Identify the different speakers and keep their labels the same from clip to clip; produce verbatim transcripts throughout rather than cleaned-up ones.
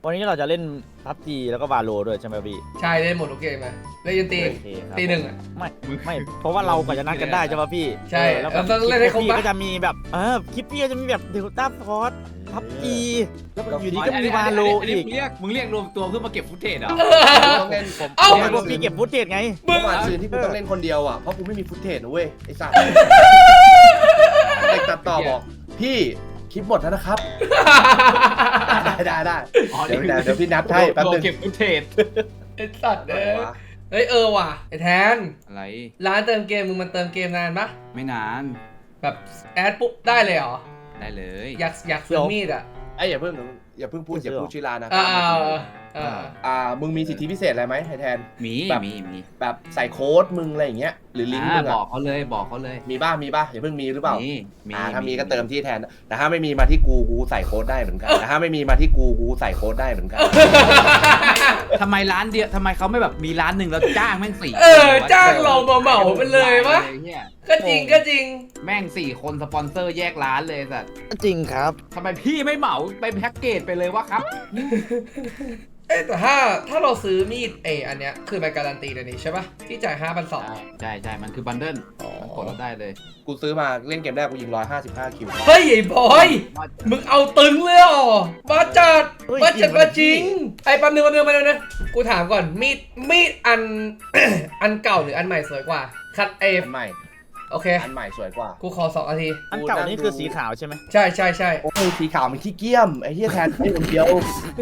Speaker 1: วันนี้เราจะเล่นพับจีแล้วก็วาโลด้วยใช่ไหมพี่
Speaker 2: ใช่เล่นหมดทุกเกมไหมเล่นยันตีตีหนึ่งอ่ะ
Speaker 1: ไม่ไม่เพราะว่าเรากว่าจะนัดกันได้ใช่ป่ะพี่
Speaker 2: ใช่
Speaker 1: แล้ว
Speaker 2: ต้องเล่นให้ครบ
Speaker 1: พี่ก็จะมีแบบเออคลิปพี่ก็จะมีแบบเดลต้าฟอร์สพับจีแล้วอยู่ดีก็มีวาโลอีก
Speaker 3: มึงเรียกมึงเรียกรวมตัวเพื่อมาเก็บฟุตเทจเหรอ
Speaker 4: ต้องเล่นผม
Speaker 2: เอ้า
Speaker 1: ไม่พวกพี่เก็บฟุตเทจไง
Speaker 4: เมื่อวานซืนที่กูต้องเล่นคนเดียวอ่ะเพราะกูไม่มีฟุตเทจนะเว้ยไอ้สัตว์เด็กตัดต่อบอกพี่คลิปหมดแล้วนะครับได้ได้ได้เดี๋ยวเดี๋ยวพี่นัดให้แป๊บนึง
Speaker 3: เก็บฟุตเทจ
Speaker 2: ไอ้สัตว์เอ้ยเฮ้ยเออว่ะไอ้แทน
Speaker 3: อะไร
Speaker 2: ร้านเติมเกมมึงมันเติมเกมนานปะ
Speaker 3: ไม่นาน
Speaker 2: แบบแอดปุ๊บได้เลยเหรอ
Speaker 3: ได้เลย
Speaker 2: อยากอยากซื้อมีดอ่ะ
Speaker 4: ไอ้อย่าเพิ่งอย่าเพิ่งพูดอย่าพูดชื่อร้านนะ
Speaker 2: อ่าอ่า
Speaker 4: อ่ามึงมีสิทธิพิเศษอะไรไหมไอ้แทน
Speaker 3: มีมีมี
Speaker 4: แบบใส่โค้ดมึงอะไรอย่างเงี้ยหรือลิงก์มึง
Speaker 3: บอกเขาเลยบอกเขาเลย
Speaker 4: มีบ้ามีบ้าอย่าเพิ่งมีหรือเปล่า
Speaker 3: มีมี
Speaker 4: ถ้ามีก็เติมที่แทนแต่ถ้าไม่มีมาที่กูกูใส่โค้ดได้เหมือนกันแต่ถ้าไม่มีมาที่กูกูใส่โค้ดได้เหมือนกัน
Speaker 3: ทำไมร้านเดียวทำไมเขาไม่แบบมีร้านหนึ่งแล้วจ้างแม่งสี่
Speaker 2: เออจ้างเราเหมาไปเลยวะก็จริงก็จริง
Speaker 3: แม่งสี่คนสปอนเซอร์แยกร้านเลยสัตว์
Speaker 1: จริงครับ
Speaker 3: ทำไมพี่ไม่เหมาไปแพ็กเกจไปเลยวะครับ
Speaker 2: เอ๊ะแต่ถ้าถ้าเราซื้อมีดเออันเนี้ยคือใบการันตีเดี๋ยวนี้ใช่ปะที่จ่ายห้าพันสอง
Speaker 3: ใช่ใช่มันคือบันเดิลมันกดเราได้เลย
Speaker 4: กูซื้อมาเล่นเกมแรกกูยิงร้อยห้าสิบห้าคิว
Speaker 2: เฮ้ยไอ้บอยมึงเอาตึงเลยอ่ะมาจัดมาจัดมาจริงไอ้ปั๊มนึงปั๊มนึงมาเลยนะกูถามก่อนมีดมีดอัน อันเก่าหรืออันใหม่สวยกว่าคัดเอฟ
Speaker 4: อันใหม่
Speaker 2: โอเค
Speaker 4: อันใหม่สวยกว่า
Speaker 2: กูขอสองนาที
Speaker 1: อันเก่านี่คือสีขาวใช่ไหม
Speaker 2: ใช่ใช่ใช่
Speaker 4: โอ้ยสีขาวมันขี้เกียมไอ้เหี้ยแทนไม่คนเดียว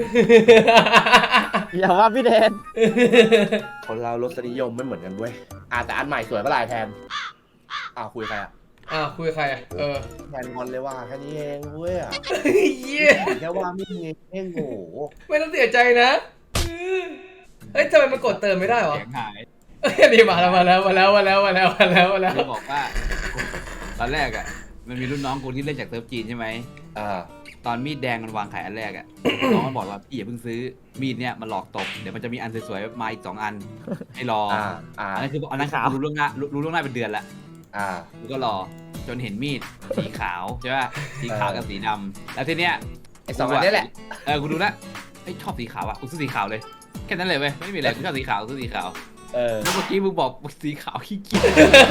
Speaker 1: อย่าว่าพี่แทน
Speaker 4: คนเรารสนิยมไม่เหมือนกันเว้ยอ่ะแต่อันใหม่สวยปะลายแทนอ้าวคุยใครอ่ะ
Speaker 2: อ้าวคุยใครเออ
Speaker 4: แทนงอนเลยว่าแค่นี้เองเว้ย
Speaker 2: เยี่ย
Speaker 4: แค่ว่าไม่มีเองโง่
Speaker 2: ไม่ต้องเสียใจนะเฮ้ยทำไมมันกดเติมไม่ได้หรอ
Speaker 3: เสียงหาย
Speaker 2: นี่มาแล้วมาแล้วมาแล้วมาแล้วมาแล้วมาแล้วมาแล้ว
Speaker 3: บอกว่าตอนแรกอ่ะมันมีรุ่นน้องกูที่เล่นจากเซิร์ฟจีนใช่ไหม
Speaker 4: อ่า
Speaker 3: ตอนมีดแดงมันวางขายอันแรกอ่ะน้องมันบอกว่าพี่อย่าเพิ่งซื้อมีดเนี้ยมันหลอกตกเดี๋ยวมันจะมีอันสวยๆมาอีกสองอันให้รออันนั้นคืออันนั้นรู้ล่วงหน้ารู้ล่วงหน้าเป็นเดือนละ
Speaker 4: อ่า
Speaker 3: กูก็รอจนเห็นมีดสีขาวใช่ป่ะสีขาวกับสีดำแล้วทีเนี้ย
Speaker 4: ไอ้สองอันนี้แหละ
Speaker 3: เออกูดูแล้วไอ้ชอบสีขาวอ่ะกูซื้อสีขาวเลยแค่นั้นเลยเว้ยไม่มีอะไรกูชอบสีขาวซื้อสีขาว
Speaker 4: เออ
Speaker 3: แล้วเมื่อกี้มึงบอกสีขาวขี้เกียจ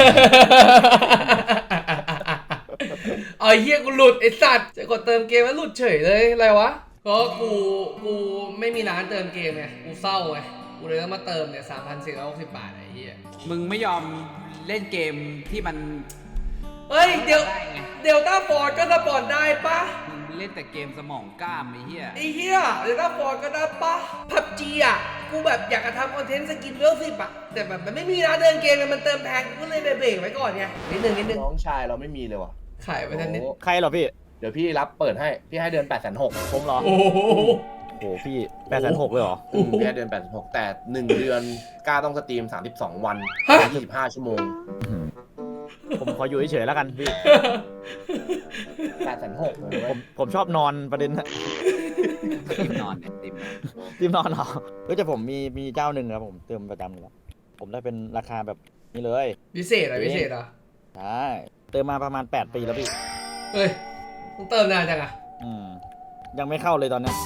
Speaker 2: ไอ้เหี้ยกูหลุดไอ้สัตว์จะกดเติมเกมแล้วหลุดเฉยเลยอะไรวะก็กูกูไม่มีร้านเติมเกมไงกูเศร้าไงกูเลยต้องมาเติมเนี่ยสามพันสี่ร้อยหกสิบบาทไอ้เหี้ย
Speaker 3: มึงไม่ยอมเล่นเกมที่มัน
Speaker 2: เฮ้ยเดี๋ยวเดลต้าฟอร์ดก็สปอนได้ปะ
Speaker 3: มึงเล่นแต่เกมสมองกล้ามไอ้เหี้ย
Speaker 2: ไอ้เหี้ยเดลต้าฟอร์ดก็ได้ปะพับจีอ่ะกูแบบอยากจะทำคอนเทนต์สกินเวลสิบอะแต่แบบมันไม่มีร้านเดินเกมมันเติมแพงกูเลยเบรกไว้ก่อนไงนิดนึงนิดนึง
Speaker 4: น้องชายเราไม่มีเลยว่ะ
Speaker 2: ขายไปทันนิด
Speaker 1: ใครเหรอพี่
Speaker 4: เดี๋ยวพี่รับเปิดให้พี่ให้เดือนแปดแสนหก
Speaker 1: ผมเหรอ
Speaker 2: โอ้โห
Speaker 1: โอ้พี่แปดแสนหกเลยเหรอ
Speaker 4: พี่ให้เดือนแปดแสนหกแต่หนึ่งเดือนกล้าต้องสตรีมสามสิบสองวันยี่สิบห้าชั่วโมง
Speaker 1: ผมขออยู่เฉยๆแล้วกันพี่
Speaker 4: แปดแสนหกเลย
Speaker 1: ผมผมชอบนอนประเด็น
Speaker 3: ติมนอนเนี่ยติม
Speaker 1: ติมนอนเหรอเฮ้ยแต่ผมมีมีเจ้าหนึ่งครับผมเติมประจำเลยครับผมได้เป็นราคาแบบนี้เลย
Speaker 2: พิเศษอะไรพิเศษอ่ะ
Speaker 1: ใช่เติมมาประมาณแปดปีแล้วพี่
Speaker 2: เฮ้ยต้องเติมนานจังอ่ะ
Speaker 1: อืมยังไม่เข้าเลยตอนนี้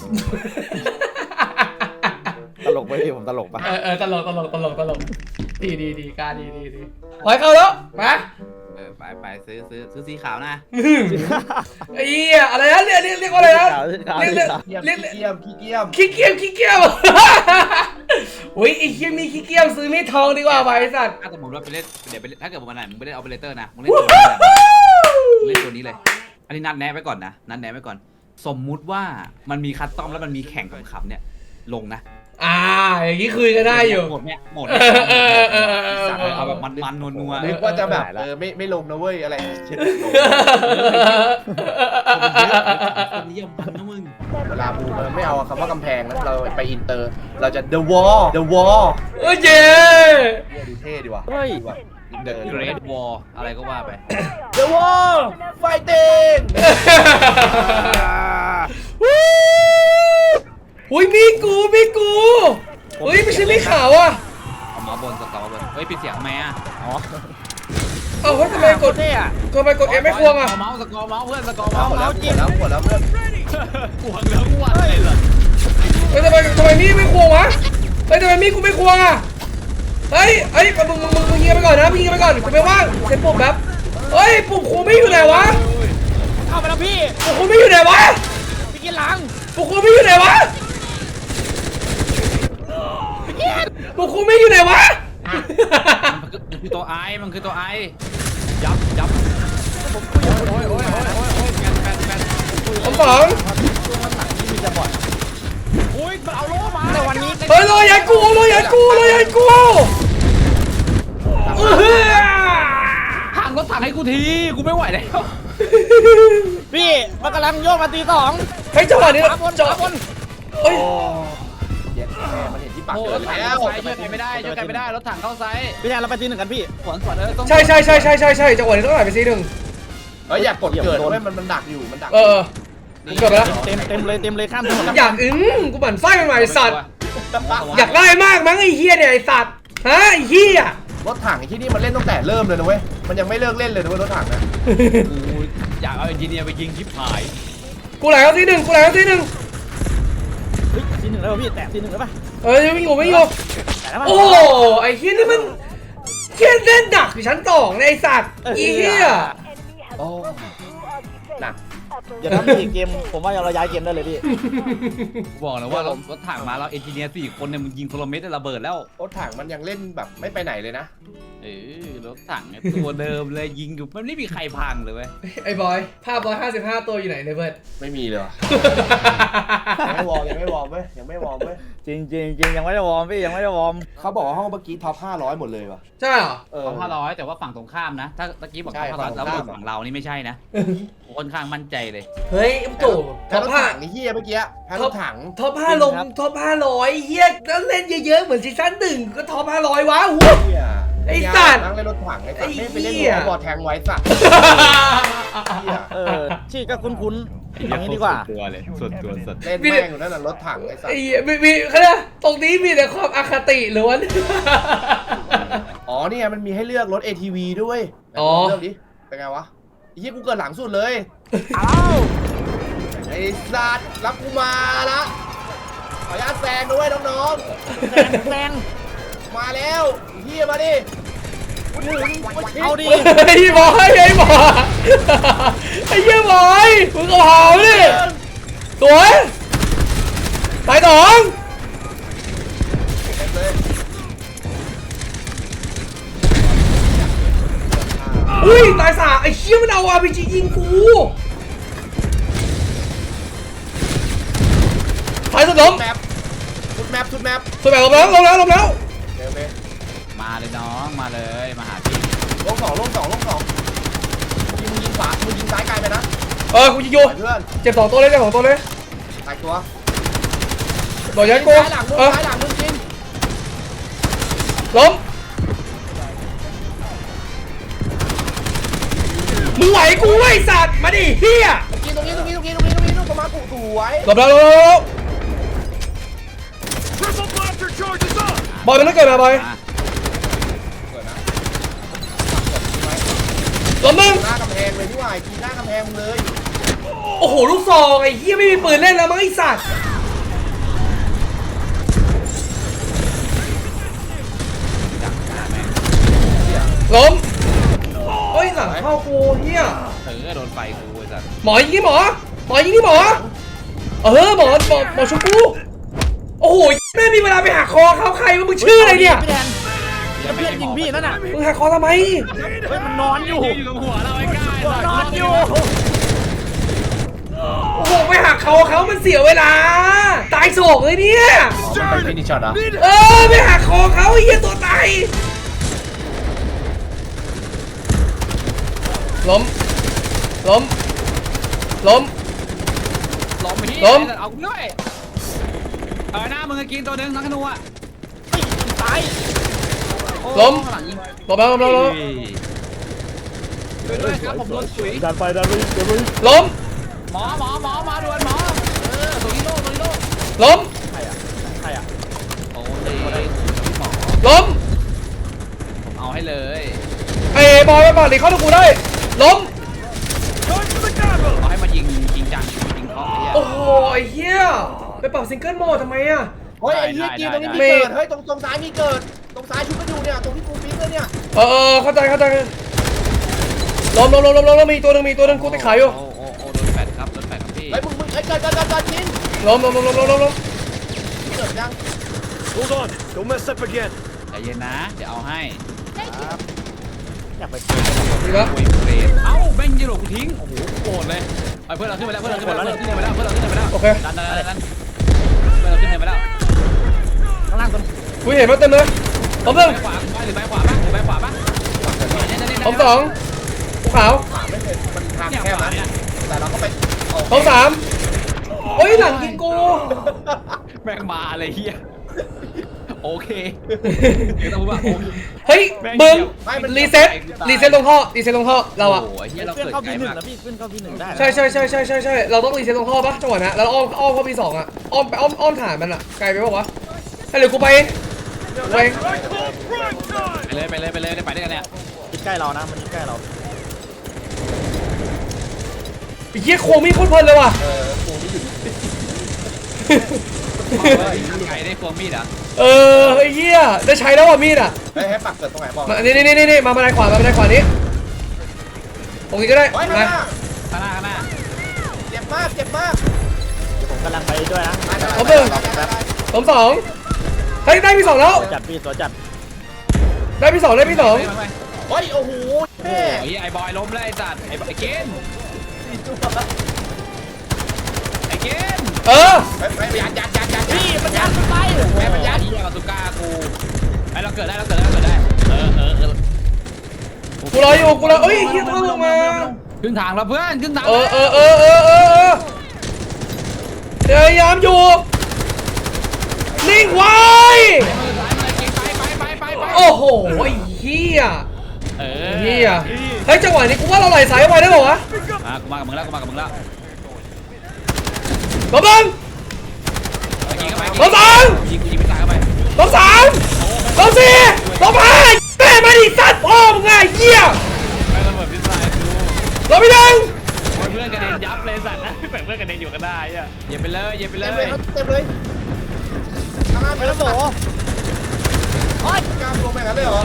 Speaker 1: ตลกไปพี่ผมตลกปะ
Speaker 2: เออเออตลกตลกตลกตลกดีดีดีการดีดีดีปล่อยเข้าแล้วมา
Speaker 3: เออไปไปซื้อซื้อซื้อสีขาวนะ
Speaker 2: ไอ้เหี้ยอะไรนะเรียกเรียกเรียกว่าอะไรนะเรียกเรียก
Speaker 4: เรียกเกียมขี้เกียม
Speaker 2: ขี้เกียมขี้เกียมโอ้ยไอ้เหี้ยมีขี้เกียมซื้อมีทองดีกว่าไปสัตว์
Speaker 3: ถ้าสมมติว่าไปเล่นเดี๋ยวไปถ้าเกิดวันไหนมึงไปเล่นออเปอเรเตอร์นะมึงเล่นตัวนี้มึงเล่นตัวนี้เลยอันนี้นัดแนะไว้ก่อนนะนัดแนะไว้ก่อนสมมุติว่ามันมีคัสตอมแล้วมันมีแข่งขำๆเนี่ยลงนะ
Speaker 2: อ่าอย่างนี้คุยกันได้อยู่
Speaker 3: หมดเนี่ยหมดเอาแบบมันๆนัว
Speaker 4: ๆนึกว่าจะแบบเออไม่ไม่ลงนะเว้ยอะไรเช่น
Speaker 3: คนนิยมพันนะมึง
Speaker 4: เวลาบูมไม่เอาคำว่ากำแพงนะเราไปอินเตอร์เราจะ the wall the wall
Speaker 2: โอ้ยเจ๊
Speaker 4: ดูเท่ดีว่ะ
Speaker 1: เฮ้ย
Speaker 3: The Great Wall อะไรก็ว่าไป
Speaker 4: The Wall Fighting
Speaker 2: อุ้ยมีกูมีกูอุ้ยไม่ใช่มีขาวอ่ะ
Speaker 3: เอามาบนสกอร์บนเฮ้ยปิดเสียงทำไมอ่ะ
Speaker 1: อ๋อ
Speaker 2: เอาเฮ้ยทำไมกดเนี่ยทำไมกดเอ็มไม่ควงอ่ะ
Speaker 3: เมาส์สกอร์เมาส์เพื่อนสกอร์เมาส์เมาส์
Speaker 4: จริงแล้วหมดแล้วเพื่อน
Speaker 3: ควงแล้ววันเลยเหรอ
Speaker 2: เฮ้ยฮ้ยทำไมมีดกูไม่ควงอ่ะเฮ้ยเฮ้ยมึงมึงมึงมึงยิงไปก่อนนะมึงยิงไปก่อนกูไม่ว่างเซ็นปุ่มแบบเฮ้ยปุ่มคูไม่อยู่ไหนวะ
Speaker 1: เข้าไปแล้วพี่
Speaker 2: ปุ่มคูไม่อยู่ไหนวะ
Speaker 1: พี่กินหลัง
Speaker 2: ปุ่มคูไม่อยู่ไหนวะปุ่มคูไม่อยู่ไหนวะ
Speaker 3: มันคือตัวไอมันคือตัวไอยับยับโอ้ยโอ้ยโอ้ยโอ้ยโอ้ยแฟนแฟนแฟน
Speaker 2: ผมสอง
Speaker 1: อุ้ยมันเอาโล่มาแต่วันนี้
Speaker 2: เฮ้ยรอยันกูรอยันกูรอยันกูเออ
Speaker 3: ห่างรถถังให้กูทีกูไม่ไหวแล้ว
Speaker 1: พี่มันกำลังโยกมาตีสอง
Speaker 2: เฮ้ยจังหวะนี้
Speaker 1: ขวาบน
Speaker 2: จัง
Speaker 1: ขวาบน
Speaker 2: เฮ้ย
Speaker 4: เย็ดแม่มันเห็นที่ปาก
Speaker 3: โอ้
Speaker 4: เกิ
Speaker 3: ร
Speaker 4: น
Speaker 3: ถถัง
Speaker 4: แล้ว
Speaker 3: เข้าไซช่วยใครไม่ได้ช่วยใครไม่ได้รถถังเข้าไซ
Speaker 1: พี่แทนเราไปตีหนึ่งกันพี่
Speaker 3: สวนสวนเออต้อง
Speaker 2: ใช่ใช่ใช่ใช่ใช่ใช่จังหวะนี้ต้องไหลไปซีหนึ่ง
Speaker 4: เฮ้ยอยากกดเกิดด้วยมันมันดักอยู่มันดัก
Speaker 2: เออเกิดไปแล้ว
Speaker 1: เต็มเต็มเลยเต็มเลยข้ามถนนแล้ว
Speaker 2: อยากอึ้งกูบั่นไส้มันมาไอ้สัตว์อยากได้มากมั้งไอ้เฮียเนี่ยไอ้สัตว์ฮะไอ้เฮีย
Speaker 4: รถถังที่นี่มันเล่นตั้งแต่เริ่มเลยนะเว้ยมันยังไม่เลิกเล่นเลยนะเว้ยรถถังนะ
Speaker 3: กูอยากเอาเอนจิเนียร์ไปยิงชิบหาย
Speaker 2: กูไหลเข้าซีหนึ่งกูไหลเข้าซีหนึ่ง
Speaker 1: เฮ้ยตีหนึ่งแล้วพี่แตะตีหนึ่งแล้วป่ะ
Speaker 2: เออไม่อยู่ไม่อยู่
Speaker 1: แตะแล้วป่ะ
Speaker 2: โอ้ไอ้เฮียนี่มันเฮียเล่นดักอยู่ชั้นสองเลยไอ้สัตว์ไอ้เฮีย
Speaker 4: โอ้หนัก
Speaker 1: เดี๋ยวถ้ามีเกมผมว่าเราย้ายเกมได้เลยพี่
Speaker 3: บอกนะว่ารถรถถังมาแล้วเอนจิเนียร์สี่คนเนี่ยมึงยิงโทรเมตรได้ระเบิดแล้ว
Speaker 4: รถถังมันยังเล่นแบบไม่ไปไหนเลยนะ
Speaker 3: เออรถถังเนี่ยตัวเดิมเลยยิงอยู่มันไม่มีใครพังเลยเว้ย
Speaker 2: ไอ้บอยภาพร้อยห้าสิบห้าตัวอยู่ไหนเนี่ยเพื่อน
Speaker 4: ไม่มีเลยว่ะยังไม่วอร์มยังไม่วอร์มเว้ยยังไม่วอร์มเว้ย
Speaker 1: จริงจริงจริงยังไม่ได้วอร์มพี่ยังไม่ได้วอร์ม
Speaker 4: เขาบอกว่าห้องเมื่อกี้ท็อปห้าร้อยหมดเลยว่ะ
Speaker 2: ใช่เหรอ
Speaker 4: เออ
Speaker 3: สองพันร้อยแต่ว่าฝั่งตรงข้ามนะ ถ้าตะกี้บอก
Speaker 4: ใช่
Speaker 3: สองพันร้อยแล้ว
Speaker 4: ฝั่งตรงข้าม
Speaker 3: ฝั่งเรานี่ไม่ใช่นะค่อนข้างมั่นใจเลย
Speaker 2: เฮ้ยตู่
Speaker 4: แพ้
Speaker 2: ท็อป
Speaker 4: รถ
Speaker 2: ห้า
Speaker 4: ถังนี่เฮียเมื่อกี้แพ้รถถัง
Speaker 2: ท็อปห้าลงท็อปห้าร้อยเฮียแล้วเล่นเยอะๆเหมือนซีซั่นหนึ่งก็ท็อปห้าร้อยวะหู
Speaker 4: เฮีย
Speaker 2: ไอ้สัตว์
Speaker 4: นั่งเล่นรถถังไอ้สัตว์ไม่ไปเล่น
Speaker 2: ไอ้เหี้ย
Speaker 4: หัวบอลแทงไว้สัตว์เฮีย
Speaker 1: เออชื่อก็คุ้นๆอย่างนี้ดีกว่า
Speaker 3: ส่วนตัวเลยส่วนตัวสุด
Speaker 4: เล่นแม่งอยู่นั่นน่ะรถถังไอ้สัต
Speaker 2: ไอ้
Speaker 4: ว์
Speaker 2: เหี้ยมีมีเขาเรียกตรงนี้มีแต่ความอคติล้วน
Speaker 4: อ๋อเนี่ยมันมีให้เลือกรถ เอ ที วี ด้วย
Speaker 2: อ๋อ
Speaker 4: เลือกดิเป็นไงวะไอ้เหี้ยกูเกิดหลังสุดเลย
Speaker 1: อ้าว
Speaker 4: ไอ้สัตว์รับกูมาละขออนุญาตแซงด้วยน้อง
Speaker 1: แซงแซง
Speaker 4: ๆมาแล้วไอ้เฮียมาดิกูถึงกูชิด
Speaker 1: เอาดิ
Speaker 2: ไอ้บอยไอ้บอยไอ้เหี้ยบอยมึงก็เผาดิสวยตายสอง
Speaker 4: เต็มเลย
Speaker 2: อุ้ยตายสามไอ้เชี่ยมันเอาอาร์พีจียิงกูตายสุดล้ม
Speaker 4: แมปชุดแมปชุดแมป
Speaker 2: สุดแบบล้มแล้วล้มแล้วล้มแล้ว
Speaker 4: เร็วเลย
Speaker 3: มาเลยน้องมาเลยมาหาพี่
Speaker 4: ลงสองลงสองลงสองยิงยิงขวามึงยิงซ้ายไกลไปนะ
Speaker 2: เออกูยิงอยู่
Speaker 4: ปล่อยเพื่อน
Speaker 2: เจ็บสองตัวเลยเจ็บสองตัวเลย
Speaker 4: ตายตัว
Speaker 2: โดนยันกู
Speaker 4: ซ้ายหลังมึง
Speaker 2: เออ
Speaker 4: ซ้ายหลังมึงกิน
Speaker 2: ล้มมึงไหวกูไอ้สัตว์มาดิเฮีย
Speaker 4: กินตรงนี้ตรงนี้ตรงนี้ตรงนี้ตรงนี้ตรงประมาณกูสวย
Speaker 2: หลบแล้วหลบแล้วหลบแล้วบอยมันต้องเกิดมาบอย
Speaker 3: มา
Speaker 4: เกิดนะ
Speaker 2: ล้มมึง
Speaker 4: หน้ากำแพงเลยที่ว่ากีหน้ากำแพงมึงเลย
Speaker 2: โอ้โหลูกซองไอ้เฮียไม่มีปืนเล่นแล้วมั้งไอ้สัตว์ล้มเฮ้ยหลังเข้ากูเฮีย
Speaker 3: เออโดนไฟกูไอ้สัส
Speaker 2: หมอยิงที่หมอหมอยิงที่หมอเออหมอหมอหมอชุบกูโอ้โหแม่มีเวลาไปหักคอเขาใครวะมึงชื่ออะไรเนี่ย
Speaker 1: พี่แทนแล้วเพื่อนยิงพี่นั่นน่ะ
Speaker 2: มึงหักคอทำไม
Speaker 1: เฮ้ยมันนอนอยู่
Speaker 3: อยู่ตรงหัวเราไอ้ก้า
Speaker 1: มันนอนอยู่
Speaker 2: โอ้โหไปหักคอเขามันเสียเวลาตายโศกเลยเนี่ย
Speaker 4: อ๋อมันไปฟินิชช็อตอ่ะ
Speaker 2: เออไปหักคอเขาไอ้เหี้ยตัวตายล้มล้มล้ม
Speaker 3: ล้มไปที่
Speaker 2: ล้ม
Speaker 3: เอากูด้วยเอาหน้ามึงกินตัวหนึงนักขนูอ่ะ
Speaker 1: ตาย
Speaker 2: ล้ม
Speaker 3: ข้างหลังยิง
Speaker 2: ล้มแล้วล้มแล้วล้ม
Speaker 3: ช่วยด้วยครับผมโดนสุย
Speaker 1: ดันไปดันไปดันไป
Speaker 2: ล้ม
Speaker 3: หมอหมอหมอมาด่วนหมอเออตัวนี้โล่ตัวนี้โล่
Speaker 2: ล้ม
Speaker 1: ใครอ่ะใครอ่ะ
Speaker 3: โอ้ยหมอ
Speaker 2: ล้ม
Speaker 3: ผมเอาให้เลย
Speaker 2: ไอ้บอยมาปาดดิเข้าตะกูได้ล้ม
Speaker 3: เอาให้มายิงจริงจังยิงเคาะไอ้เหี้ย
Speaker 2: โอ้โหไอ้เหี้ยไปปรับซิงเกิลโหมดทำไมอะ
Speaker 4: เฮ้ยไอ้เหี้ยจีนตรงนี้มีเกิดเฮ้ยตรงตรงซ้ายมีเกิดตรงซ้ายชุบกันอยู่เนี่ยตรงที่กูปิ๊งเลยเนี่ย
Speaker 2: เออเออเข้าใจเข้าใจล้มล้มล้มล้มล้มมีตัวหนึงมีตัวหนึงกูติดขายอยู่
Speaker 3: โอ้โอ้โอ้โดนแปดครับโดนแปดครับพี่
Speaker 4: เฮ้ยมึงมึงไอ้เกิดเกิดเกิดเกิดจีน
Speaker 2: ล้มล้มล้มล้มล้มล้มล้ม
Speaker 4: เกิดยัง
Speaker 5: Hold on, don't mess up again.
Speaker 3: ใจเย็นนะเดี๋ยวเอาให้
Speaker 1: ครับอยากไปเจอ
Speaker 2: ดีแล้ว
Speaker 3: โอ้ยเฟรดเอ้าแม่งยิงหลบกูทิ้งโอ้โหโกรธเลยเอาเพื่อนเราขึ้นไปแล้วเพื่อนเราขึ้นไปแล้วเพื่อนเราขึ้นไปแล้วเพื่อนเราขึ้นไปแล้ว
Speaker 2: โอเค
Speaker 3: ดันดันดันดันเพื่อนเราขึ้นไปแล้ว
Speaker 1: ข้างล่างตัว
Speaker 2: กูเห็นมาเต็มเลยล้มหนึ่ง
Speaker 3: ไปขวาไปหรือไปขวาบ้างหรือไปขวาบ้าง
Speaker 2: ล้มสองกูขาว
Speaker 4: ขาไม่เป็นมันทางแคบนะแต่เราก็ไป
Speaker 2: ล้มสามเฮ้ยหลังกินกู
Speaker 3: แม่งมาเลยเฮียโอเคเดี๋ยวต้องพูดว่าโอเค
Speaker 2: เฮ้ยบึ้มรีเซ็ตรีเซ็ตลงท่อรีเซ็ตลงท่อเราอะ
Speaker 3: โอ้โหเฮียเรา
Speaker 1: เพื่อน
Speaker 3: เกิด
Speaker 1: เข้า
Speaker 3: ไกล
Speaker 1: พีหนึ่ง
Speaker 3: มาก
Speaker 1: แล้วพี่ขึ้นเข้าพีหนึ่งได้
Speaker 2: ใช่ใช่ใช่ใช่ใช่ใช่เราต้องรีเซ็ตลงท่อปะจังหวะนะแล้วอ้อมอ้อมเข้าพีสองอะอ้อมไปอ้อมอ้อมฐานมันอะไกลไปปะวะให้เหลือกูไปไป
Speaker 3: ไปเลยไปเลยไปเลยได้ไปด้วยกันเนี่ย
Speaker 1: คิดใกล้เรานะมันคิดใกล้เรา
Speaker 2: ไอ้เหี้ยโคงมีโคตรเพลินเลยว่ะ
Speaker 4: เออกูนี่อยู่
Speaker 3: ไกลได้ควงมีดอ่ะ
Speaker 2: เออไอ้เหี้ยได้ใช้แล้วว่ะมีดอะ
Speaker 4: เฮ้ยให้ปักเกิดตรงไหนบอก
Speaker 2: มานี่นี่นี่นี่มาบันไดขวามาบันไดขวานี้ตรงนี้ก็ได้
Speaker 4: เฮ้ยข้างห
Speaker 2: มา
Speaker 4: น้า
Speaker 3: ข้างหน้าข้างหน้า
Speaker 4: เจ็บมากเจ็บมาก
Speaker 1: ผมกำลังไปด้วยนะ
Speaker 2: ล้มสองเฮ้ยได้พี่สองแล้ว
Speaker 1: ตัวจัดพี่ตัวจัด
Speaker 2: ได้พี่สองได้พี่สอง
Speaker 4: เฮ้ยโอ้โหแม่
Speaker 3: โอ้ยไอ้บอยล้มแล้วไอ้สัตว์ไอ้ไอ้เกนไอ้เกน
Speaker 2: เออ
Speaker 4: ไปไปยัดยัดยัดยัด
Speaker 1: พี่มันยัดไป
Speaker 3: แม่ปัญญาที่กับตุก้ากูไอ้เราเกิดได้เราเกิดได้เราเกิดได้เออเออเออ
Speaker 2: กูรออยู่กูรอเอ้ยเหี้ยต้องลงมา
Speaker 3: ครึ่งทางแล้วเพื่อนครึ่งทาง
Speaker 2: เออเออเออเออเออเออพยายามอยู่นิ่งไว้
Speaker 3: ไปไปไปไปไป
Speaker 2: โอ้โหไอ้เหี้ย
Speaker 3: เออ
Speaker 2: เหี้ยเฮ้ยจังหวะนี้กูว่าเราไหลสายไปได้ป่าวะ
Speaker 3: มากูมากับมึงแล้วกูมากับมึงแล้ว
Speaker 2: ล้มหนึ่ง
Speaker 3: ไปยิงเข้าไป
Speaker 2: ล้มสอง
Speaker 3: ยิงกูยิงไม่ตายเข้าไป
Speaker 2: ล้มสามล้มสี่ล้มห้าแม่มาดิสัตว์พ่อมึงไงเหี้ย
Speaker 3: ไม่ระเบิดพิษสายกู
Speaker 2: ล้มไปหนึ่ง
Speaker 3: เพื่อนกระเด็นยับเลยสัตว์นะแบ่งเพื่อนกระเด็นอยู่ก็ได้อ่ะเหยียบไปเลยเหยียบไปเล
Speaker 4: เต็มเลย
Speaker 3: ย
Speaker 4: ครับเต็มเลยข้างหน้า
Speaker 1: ไป
Speaker 4: ไป
Speaker 1: แล้
Speaker 4: แล้ว ว
Speaker 1: โบ
Speaker 4: โอ้ยกล้ามลงไปกันเลยเหรอ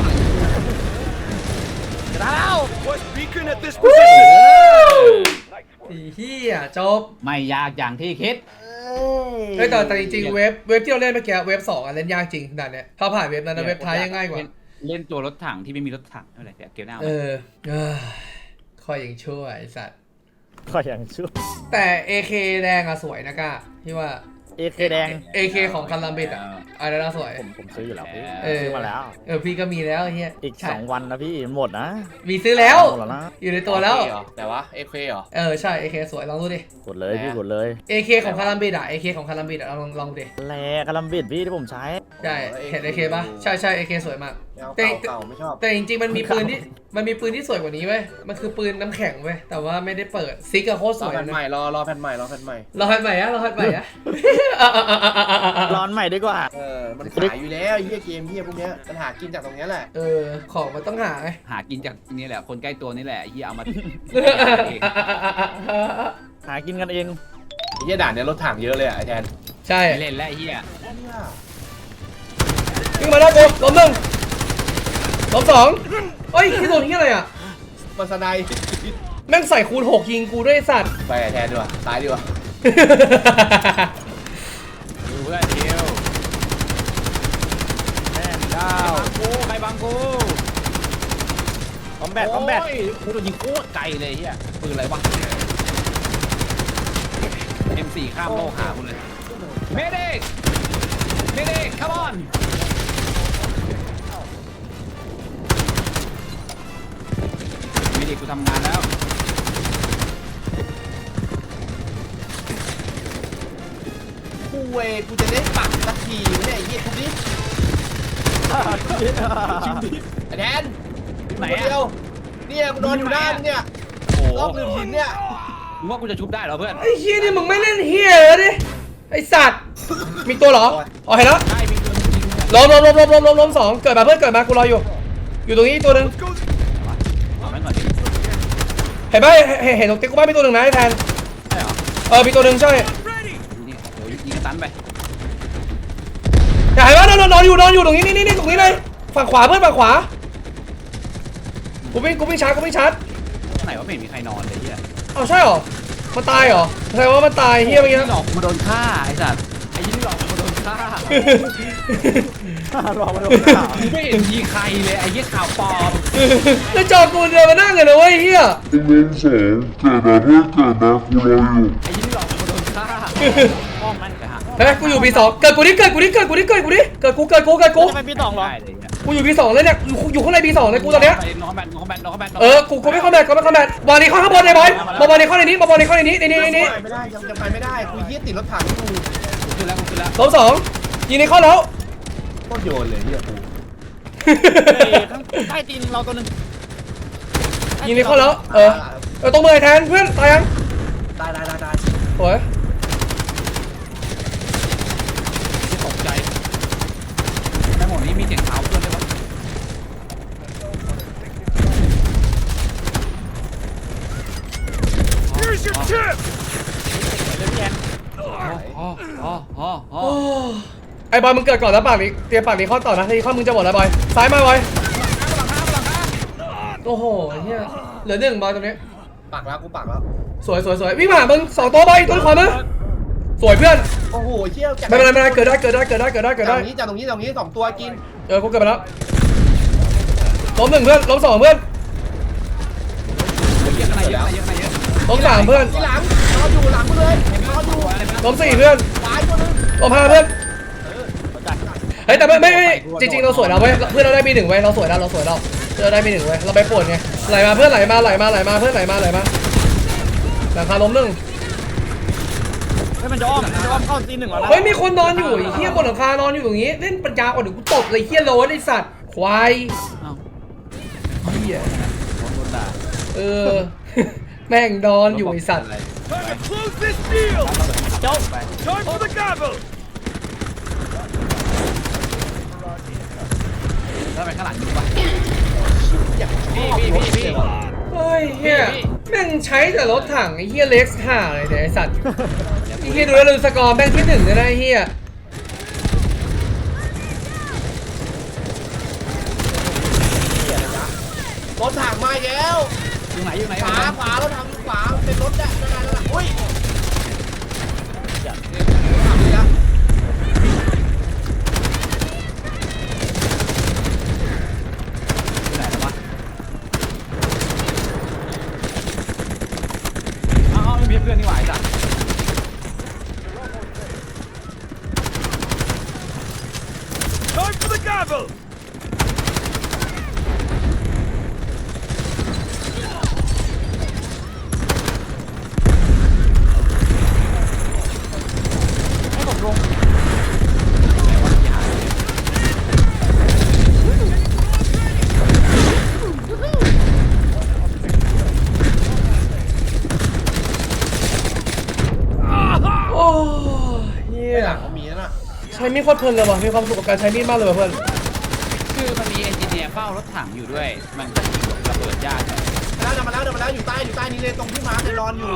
Speaker 1: จะได้แล้ว
Speaker 5: West beacon at this position.
Speaker 2: ไอ้เหี้ยจบ
Speaker 3: ไม่ยากอย่างที่คิด
Speaker 2: เฮ้ยแต่แต่จริงๆเว็บเว็บที่เราเล่นเมื่อกี้เว็บสองอ่ะเล่นยากจริงด่านเนี้ยถ้าผ่านเว็บนั้นนะเว็บท้ายยังง่ายกว่า
Speaker 3: เล่นตัวรถถังที่ไม่มีรถถังอะไรแต่เกมหน้า
Speaker 2: เออเอ้ยคอยยังชั่วไอ้สัตว์
Speaker 1: ก็ยังชั่ว
Speaker 2: แต่ เอ เค แดงอะสวยนะก้าพี่ว่า
Speaker 1: เอเคแดง
Speaker 2: เอ เค ของคันลัมบิดอะอะไรน่าสวย
Speaker 1: ผมผมซื้ออยู่แล้วพี่
Speaker 2: เออ
Speaker 1: ซื้อมาแล้ว
Speaker 2: เออพี่ก็มีแล้วไอ้เฮีย
Speaker 1: อีก
Speaker 2: ใช่
Speaker 1: สองวันนะพี่หมดนะ
Speaker 2: มีซื้อแล้ว
Speaker 1: หมดแล้วนะ
Speaker 2: อยู่ในตัวแล้ว
Speaker 4: แต่ว่าเอเคเหรอ
Speaker 2: เออใช่ เอ เค สวยลองดูดิ
Speaker 1: กดเลยพี่กดเลย
Speaker 2: เอ เค ของคันลัมบิดอะ เอ เค ของคันลัมบิดอะลองลองดูดิ
Speaker 1: แลกระลำบิดพี่ที่ผมใช้
Speaker 2: ใช่เห็น เอ เค ปะใช่ใช่ เอ เค สวยมาก
Speaker 4: เอา
Speaker 2: แต่
Speaker 4: เก่าเก่าไม่ชอบ
Speaker 2: แต่จริงๆมันมีปืนที่มันมีปืนที่สวยกว่านี้เว้ยมันคือปืนน้ำแข็งเว้ยแต่ว่าไม่ได้เปิดซิกอะโคตรส
Speaker 4: รอ
Speaker 2: วย
Speaker 4: แผ่น
Speaker 2: นะ
Speaker 4: ใหม่รอรอแผ่นใหม่รอแผ่นใหม่
Speaker 2: รอให้ใหม่อะรอให้ใหม่อะ
Speaker 1: ร้อนใหม่ดีกว่า
Speaker 4: เออมันขายอยู่แล้วไอ้เหี้ยเกมเหี้ยพวกเนี้ยมันหากินจากตรงเนี้ยแหละ
Speaker 2: เออของมันต้องหาไง
Speaker 3: หากินจากนี่แหละคนใกล้ตัวนี่แหละไอ้เหี้ยเอามา
Speaker 1: หากินกันเอง
Speaker 4: ไอ้เหี้ยด่านเนี้ยรถถังเยอะเลยอ่ะไอ้แทน
Speaker 2: ใช่
Speaker 3: ไม่เล่นแล้วไอ้เหี้ย
Speaker 2: วิ่งมาแล้วกูล้มหนึ่งล้มสองเฮ้ยที่โดนที่อะไรอ่ะ
Speaker 4: มันสไนด์
Speaker 2: แม่งใส่คูณหกยิงกูด้วยไอ้สัตว์
Speaker 4: ไปไอ้แทนดีกว่าตายดีกว่า
Speaker 3: ดูเพื่อนเดียว
Speaker 1: แม่เจ้า
Speaker 3: กูใครบังกู
Speaker 1: คอมแบทคอมแบท
Speaker 3: โยกูโดนยิงโคตรไกลเลยไอ้เหี้ยปืนอะไรวะ เอ็ม โฟร์ ข้ามโลกหาคุณเลยเมเด็กเมเด็ก come on เมเด็กกูทำงานแล้ว
Speaker 4: กูเวกูจะได้ปักสักทีเนี่ยไอ้เหี้ยทุกนี้ไอ้แทน
Speaker 3: ไหน
Speaker 4: คน
Speaker 3: อะ
Speaker 4: เดียวเนี่ยกูนอนอยู่หน้ามึงเนี่ย
Speaker 3: โอ้
Speaker 4: รอบหนึ่งหินเนี่ย
Speaker 3: มึงว่ากูจะชุบได้เหรอเพื่อน
Speaker 2: ไอ้เฮียนี่มึงไม่เล่นเฮียเลยดิไอ้สัตว์มีตัวเหรออ๋อเห็นแล้ว
Speaker 3: ได้มีตัวนึงยิงเนี่ย
Speaker 2: ล้มล้มล้มล้มล้มล้มล้มสองเกิดมาเพื่อนเกิดมากูรออยู่ อยู่ตรงนี้ตัวหนึ่ง
Speaker 3: เอาแม่งก่อนดิ
Speaker 2: เห็นไหมเห็นเห็นตรงติ๊กกูบ้านมีตัวหนึ่งนะไอ้แทน
Speaker 3: ใช่เหรอ
Speaker 2: เออมีตัวหนึ่งใช่
Speaker 3: นี่เดี๋ยวยิงสตันไป
Speaker 2: นนอนอยู่นอนอยู่ตรงนี้นี่นี่ตรงนี้เลยฝั่งขวาเพื่อนฝั่งขวากูวิ่งกูวิ่งชาร์จกูวิ่งชาร์จ
Speaker 3: ไหนว่าไม่เห็นมีใครนอนเลยเฮีย
Speaker 2: เอ้าใช่เหรอมันตายเหรอแสดงว่ามันตายเฮียเมื่อกี้
Speaker 3: หลอกมาโดนฆ่าไอ้สัตว์ไอ้ยี่นี่หลอกมาโดนฆ่าร
Speaker 1: อมาโดนข่าว
Speaker 3: กูไม่เห็นมีใครเลยไอ้ยี่ข่าวปลอม
Speaker 2: แล้วจอกูเดินมานั่งกันนะเว้ยเฮีย
Speaker 6: ไอ้เล่นสองเกิดมาเพื่อเกิดมากูรออยู่
Speaker 3: ไอ้ยี่นี่หลอกมาโดนฆ่าห้องมันฮะ
Speaker 2: เฮ้ยกูอยู่ปีสองเกิดกูดิเกิดกูดิเกิดกูดิเกิดกูดิเกิดกูเกิดกูเกิดกู
Speaker 1: จะไปพี่ตองเหรอ
Speaker 3: ได้เลยเนี่ย
Speaker 2: กูอยู่ปีสองเลยเนี่ยอยู่อยู่ข้างในปีสองเลยกูตอนเนี้ย
Speaker 3: ไปน้องแบนน้องแบนน้องแบน
Speaker 2: เออกูกูไม่คอมแบทกูไม่คอมแบทบอลนี้เข้าข้างบนเลยบอยบอลบอลนี้เข้าในนี้บอลบอลนี้เข้าในนี้ในนี้ในนี้
Speaker 4: ไปไม่ได้ยังจะไปไม่ได้กูเหี้ยติดรถถังกู
Speaker 3: ขึ้นแล้วขึ้นแล้ว
Speaker 2: สองสองยิงในเข้าแล้ว
Speaker 4: โคตรโยนเลยเหี้ยกู
Speaker 1: เฮ้ยข้างใต้ตีนเราตัวหนึง
Speaker 2: ยิงในเข้าแล้วเออเออตรงมือแทนเพื่อนตายยัง
Speaker 4: ได้ได้ได้ได้
Speaker 2: โอ้ย
Speaker 3: ที่ตกใจในหมดนี้มีเสียงเท้าเพื่อนด้วยวะ
Speaker 5: Here's your tip!
Speaker 3: อ๋ออ๋ออ๋ออ๋อ
Speaker 2: โอ้ไอ้บอยมึงเกิดก่อนแล้วปากนี้เตรียมปากนี้เข้าต่อนะทีข้อมึงจะหมดแล้วบอยซ้ายมาบอยโอ้โหเฮียเหลือหนึ่งบอยตรงนี้
Speaker 4: ปักแล้วกูปักแล้ว
Speaker 2: สวยสวยสวยวิ่งมาหามึงสองตัวบอยตัวขวามึงสวยเพื่อน
Speaker 4: โอ้โหเชี่ยว
Speaker 2: ไม่เป็นไรไม่เป็นไรเกิดได้เกิดได้เกิดได้เกิดได้เกิด
Speaker 4: จาก
Speaker 2: ได้
Speaker 4: ตรงนี้จากตรงนี้จากตรงนี้สองตัวกิน
Speaker 2: เออกูเกิดไปแล้วล้มหนึ่งเพื่อนล้มสองเพื่อน
Speaker 3: เยอะขนาดเยอะเยอะขนาดเยอะ
Speaker 2: ล้มสามเพื่อน
Speaker 4: ที่หลังนอนอยู่หลังกูเลยนอนอยู่
Speaker 2: ล้มสี่เพื่อน
Speaker 4: ตายตัวนึง
Speaker 2: ล้มห้าเพื่อนเฮ้ยแต่ไม่ไม่ไม่จริงๆเราสวยแล้วเว้ยเพื่อนเราได้มีหนึ่งเว้ยเราสวยแล้วเราสวยแล้วเราได้มีหนึ่งเว้ยเราไปปวดไงไหลมาเพื่อนไหลมาไหลมาไหลมาเพื่อนไหลมาไหลมาหลังคาล้มหนึ่ง
Speaker 1: เฮ้ยมันจะอ้อมมันจะอ้อมเข้าตีนหนึ่งแล้วนะ
Speaker 2: เฮ้ยมีคนนอนอยู่ไอ้เฮียบนหลังคานอนอยู่อย่างงี้เล่นปัญญาอ่อนเดี๋ยวกูตบเลยเฮียโลนไอ้สัตว์ควาย
Speaker 3: อ้าว
Speaker 2: เฮีย
Speaker 3: โดนโดนด่า
Speaker 2: เออ แม่งนอนอยู่ไอ้สัตว์
Speaker 5: Time to close this deal!
Speaker 1: เจ้า
Speaker 5: Time for the gavel!
Speaker 3: แล้วไปข้างหลังดูป่ะ
Speaker 4: พี่พี่พี่พี่
Speaker 2: เฮ้ยเฮียแม่งใช้แต่รถถังไอ้เฮียเล็กซ์ห่าเลยเนี่ยไอ้สัตว์ไอ้เฮียดูแล้วลืมสกอร์แม่งที่หนึ่งเลยนะไอ้เฮีย
Speaker 4: รถถังมาแล้ว
Speaker 3: อยู่ไหนอยู่ไหน
Speaker 4: ขวาขวารถถังขวาเป็นรถเนี่ยนั่นนั่นนั่นอุ้ยรถถังนี่ละ
Speaker 3: อยู่ไหนแล้ววะอ้าวไม่มีเพื่อนนี่หว่าไอ้สัส
Speaker 5: Time for the gavel!
Speaker 1: ให้ผมลง
Speaker 2: โอ้เฮี
Speaker 4: ไอ้
Speaker 2: ย
Speaker 4: หลังเขามีนั่นน่ะ
Speaker 2: ใช้มีดโคตรเพลินเลยว่ะมีความสุขกับการใช้มีดมากเลยว่ะเพื่อน
Speaker 3: คือมันมีเอนจิเนียร์เฝ้ารถถังอยู่ด้วย มันจะยิงแบบระเบิดยากเลย
Speaker 4: มาแล้วมาแล้วเดินมาแล้วอยู่ใต้อยู่ใต้นี้เลยตรงที่ม้าเนี่ยนอนอยู่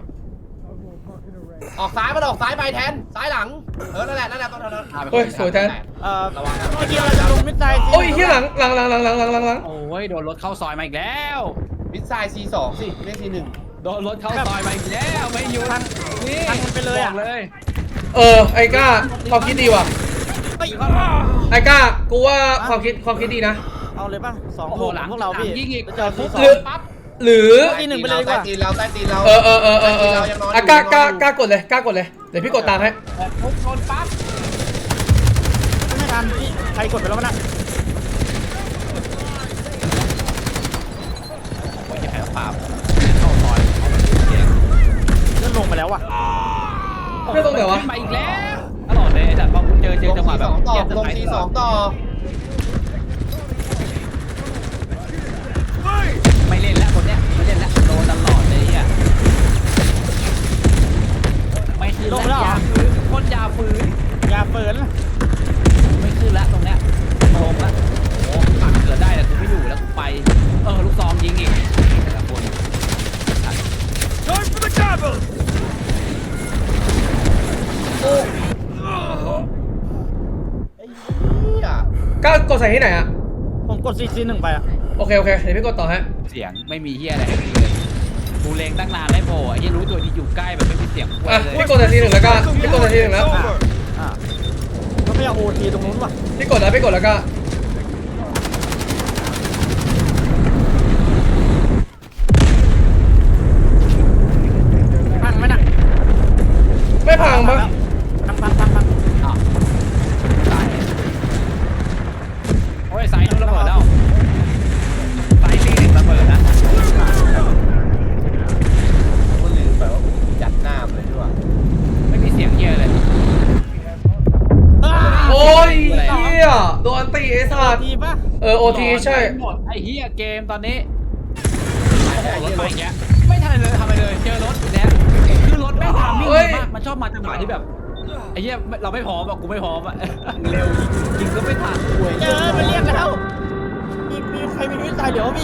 Speaker 4: ออกซ้ายมันออกซ้ายไปแทนซ้ายหลังเออนั่นแหละนั่นแหละต้องนั้น
Speaker 2: เฮ้ยสวยแทน
Speaker 1: เอ่อเมื่อกี้เราจะลงมิดไซด์
Speaker 2: โอ้ยเฮียหลังหลังหลังหลังหลังหลังหลังหลัง
Speaker 3: โอ้ยโดนรถเข้าซอยมาอีกแล้ว
Speaker 4: มิดไซด์ซีสองสิเรียกซีหนึ่ง
Speaker 3: โดนรถเข้าซอยมาอีกแล้วไม่หยุดนี่
Speaker 1: ทันมันไปเลยอ่ะ
Speaker 3: บอกเลย
Speaker 2: เออไอ้ก้าความคิดดีว่ะ
Speaker 1: เฮ้ย
Speaker 2: ไอ้ก้ากูว่าความคิดความคิดดีนะ
Speaker 1: เอาเลยป่ะสอง
Speaker 3: โอ้
Speaker 1: ห
Speaker 3: โห
Speaker 1: ก
Speaker 3: หลัง
Speaker 1: พวกเราพี่
Speaker 3: ยิงอีก
Speaker 1: เจอซีสอ
Speaker 2: หรื
Speaker 1: ง
Speaker 2: อหรือ
Speaker 1: ตีหนึ่งไปเลยดีกว่า
Speaker 4: ใต้ตีนเราใต้ตีนเรา
Speaker 2: เออเออเออเออเอออ่ะกล้ากล้ากล้ากดเลยกล้ากดเลยเดี๋ยวพี่กดตามให้
Speaker 3: ทุกชนปั๊บ
Speaker 1: ไม่ทันพี่ใครกดไปแล้วมันอ่ะ
Speaker 3: โอ้ยจะแพ้ปราบเข้าซอยเอาไปเอง
Speaker 1: เลื่อนลงไปแล้วอ่ะ
Speaker 2: เพื่อนตรงไหนวะ
Speaker 3: ขึ้นมาอีกแล้วตลอดเลยแต่พอคุณเจอเจอจังหวะแบบ
Speaker 4: ลงซีสองต่อ
Speaker 5: Hey!
Speaker 3: ไม่เล่นแล้วคนเนี้ยไม่เล่นแล้วโดนตลอดเลยอ่ะไม่ขึ้นแล้วยาฝืนคนยาฝืน
Speaker 1: อย่าเปิด
Speaker 3: ไม่ขึ้นแล้วตรงเนี้ยลงแล้วโอ้ปักเกิดได้แต่กูไม่อยู่แล้วกูไปเออลูกซองยิงอีกแต่ละคน
Speaker 5: Time for the gavel!
Speaker 4: ไอ้
Speaker 2: ก้าวกดใส่ที่ไหนอะ
Speaker 1: ผมกดซีซีหนึ่งไปอ่ะ
Speaker 2: โอเคโอเคเดี๋ยวพี่กดต่อฮะ
Speaker 3: เสียงไม่มีเฮียอะไรให้กูเลยกูเลงตั้งนานได้โผล่ไอ้เฮียรู้ตัวที่อยู่ใกล้แบบไม่มีเสียงกู
Speaker 2: อ่ะ
Speaker 3: เลย
Speaker 2: พี่กดใส่ทีหนึ่งแล้วก็พี่กดใส่ทีหนึ่งแล้ว
Speaker 5: Over.
Speaker 1: อ่าก็ไม่เอาโอทีตรงนู้นป่ะ
Speaker 2: พี่กดแล้วพี่กดแล้วก็
Speaker 1: พังไหมน่ะ
Speaker 2: ไม่พังปะ
Speaker 1: พังพังพังพัง
Speaker 3: อ้าวตายโอ้ยสายนู้นระเบิดแล้วสายซีหนึ่งระเบิดนะ
Speaker 4: ก็ลืมไปว่ายัดหน้ามันเลยด้วย
Speaker 3: ไม่มีเสียงเฮียเลย
Speaker 1: อ้า
Speaker 2: โอ้ยเฮียโดนตีไอ้สัตว์
Speaker 1: ทีป่ะ
Speaker 2: เออโอทีใช่
Speaker 3: หมดไอ้เฮียเกมตอนนี้โอ้โหรถไปอย่างเงี้ยไม่ทันเลยทำอะไรเลยเจอรถเนี่ยคือรถแม่งทำมิ่งดีมากมันชอบมาจังหวะที่แบบไอ้เหี้ยเราไม่พร้อมอ่ะกูไม่พร้อมอ่ะเร็วยิงก็ไม่ทัน
Speaker 1: เจอมันเรียกแล้วมีมีใครมีวิสัยเดี๋ยวพี่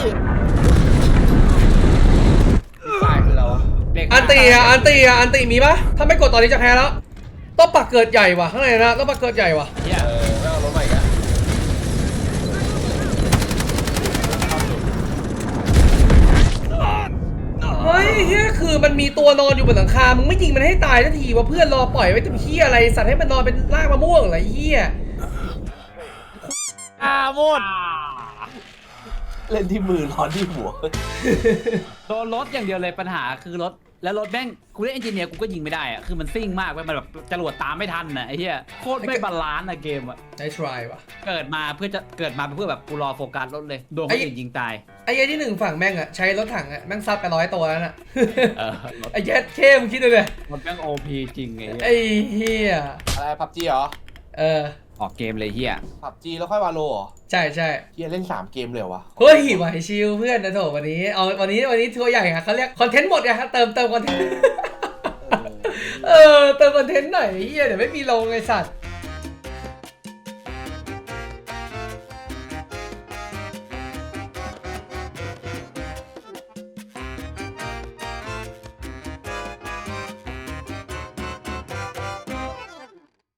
Speaker 4: ตายคือเราอะ
Speaker 3: เด็ก
Speaker 2: อันตีอ่ะอันตีอ่ะอันตีมีปะถ้าไม่กดตอนนี้จะแพ้แล้วต้องปักเกิดใหญ่ว่ะข้างในนะต้องปักเกิดใหญ่ว่ะ
Speaker 3: เหี้ย
Speaker 4: เออไม่เอารถใหม่กัน
Speaker 2: เฮ้ยเฮียคือมันมีตัวนอนอยู่บนหลังคามึงไม่ยิงมันให้ตายทันทีว่าเพื่อนรอปล่อยไว้ทำเฮียอะไรสัตว์ให้มันนอนเป็นรากมะม่วงเหรอไอ้เฮีย
Speaker 1: อ่าหมด
Speaker 4: เล่นที่มือร้อนที่หัว
Speaker 3: โดนรถอย่างเดียวเลยปัญหาคือรถแล้วรถแม่งกูเล่นเอนจิเนียร์กูก็ยิงไม่ได้อ่ะคือมันซิ่งมากเว้ยมันแบบจรวดตามไม่ทันน่ะไอ้เหี้ยโคตรไม่บาลานซ์อะเกมอ่ะ
Speaker 2: ได้ทรายว่ะ
Speaker 3: เกิดมาเพื่อจะเกิดมาเพื่อแบบกูรอโฟกัสรถเลยโดนคนอื่นยิงตาย
Speaker 2: ไอ้เหี้ยที่หนึ่งฝั่งแม่งอะใช้รถถังอะแม่งซัดไปร้อยตัวแล้วน่ะ
Speaker 3: เออรถ
Speaker 2: ไอ้เหี้ยเข้มงคิดดูเลย
Speaker 3: รถแม่งโอพีจริงไง
Speaker 2: ไอ้เหี้ย
Speaker 4: อะไรพับจีเหรอ
Speaker 2: เออ
Speaker 3: ออกเกมเลยเหี้ย
Speaker 4: พับจีแล้วค่อยวาโลเหรอ
Speaker 2: ใช่ใช่
Speaker 4: เฮียเล่นสามเกมเลยเหรอวะ
Speaker 2: เฮ้ยไหวชิลเพื่อนนะโถวันนี้เอาวันนี้วันนี้ทัวร์ใหญ่อะเขาเรียกคอนเทนต์หมดอะครับเติมเติมคอนเทนต์ เออเติมคอนเทนต์หน่อยไอ้เหี้ยเดี๋ยวไม่มีลงไอ้สัตว์